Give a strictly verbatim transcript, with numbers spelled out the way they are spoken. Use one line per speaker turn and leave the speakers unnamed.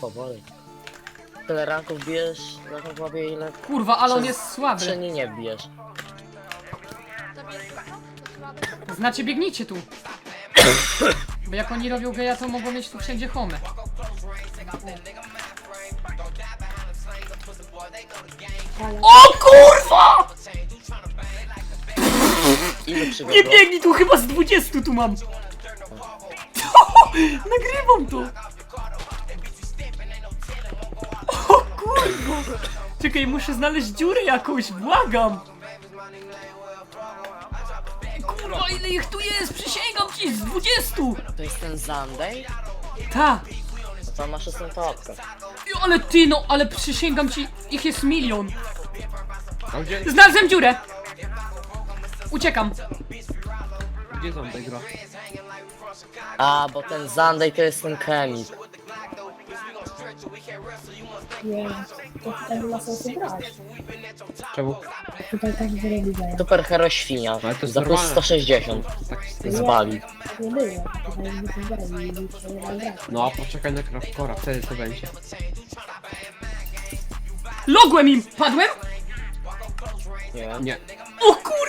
powoli. Tyle ranków bijesz, na głowie ile
Kurwa, ale on
Przez-
jest słaby.
przynajmniej nie bijesz.
Znacie, biegnijcie tu. Bo jak oni robią geja, to mogą mieć tu wszędzie home. O kurwa!
Ile
Nie
przybiegło?
biegnij tu, chyba z dwudziestu tu mam. Nagrywam to. O kurwa. Czekaj, muszę znaleźć dziurę jakąś, błagam. Kurwa, ile ich tu jest? Przysięgam ci, z dwudziestu.
To jest ten Zandej?
Ta.
No to masz jestem topkę.
Jo, ale ty no, ale przysięgam ci, ich jest milion.
A gdzie,
Znalazłem dziurę. Uciekam.
gdzie są te gra?
A, bo ten Zandej to jest ten chemik.
Nie, to tutaj nie ma sensu grać.
Czemu?
Tutaj tak zrobi daje.
Super hero świnia.
Ale to jest
Za plus
normalne.
sto sześćdziesiąt.
Tak,
Zwali.
Nie było. Tutaj nie grali i nic nie ma grać.
no, poczekaj na Craftcora, wtedy to będzie.
Logłem im. Padłem?
Nie.
Nie.
O kurwa.